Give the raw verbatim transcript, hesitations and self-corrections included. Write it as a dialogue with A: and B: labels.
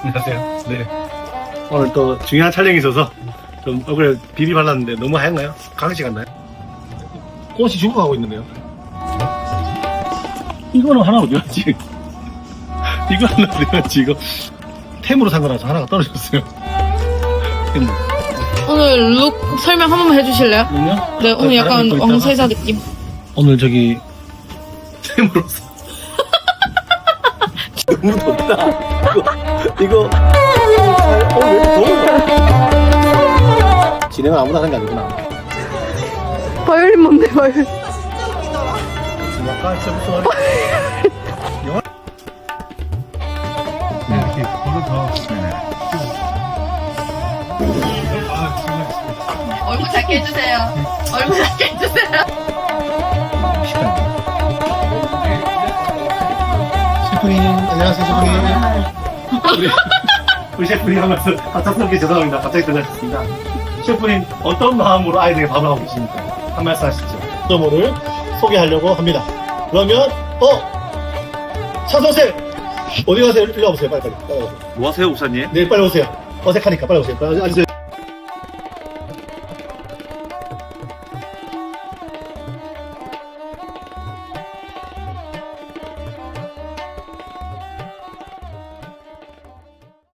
A: 안녕하세요. 네. 오늘 또 중요한 촬영이 있어서 좀 얼굴에 비비 발랐는데 너무 하얀가요? 강아지 같나요? 꽃이 죽어가고 있는데요. 이거는 하나 어디 갔지? 이거 하나 어디 갔지? 이거 템으로 산 거라서 하나가 떨어졌어요. 템.
B: 오늘 룩 설명 한 번만 해주실래요?
A: 그럼요?
B: 네, 오늘 약간
A: 바람 입고 있다가
B: 왕세자 느낌.
A: 오늘 저기 템으로 사. 너무 덥다. 이거 이거 어, 왜 이렇게 더워? 진행은 아무나 하는 게 아니구나.
B: 바이올린 뭔데, 바이올린?
A: 약간 진짜 무슨 말이야? 영화? 네, 이렇게 걸어서 네네. 아, 정말
B: 얼굴 작게 해주세요. 얼굴 작게 해주세요.
A: 식당. 셰프님, 안녕하세요, 셰프님. 우리, 우리 셰프님 하면서 갑작스럽게 죄송합니다. 갑자기 들어가셨습니다. 셰프님, 어떤 마음으로 아이들에게 밥을 하고 계십니까? 한 말씀 하시죠. 점호를 소개하려고 합니다. 그러면, 어! 차선생! 어디 가세요? 일로 와보세요. 빨리, 빨리. 빨리 오세요.
C: 뭐 하세요, 우사님?
A: 네, 빨리 오세요. 어색하니까 빨리 오세요. 빨리 앉으세요.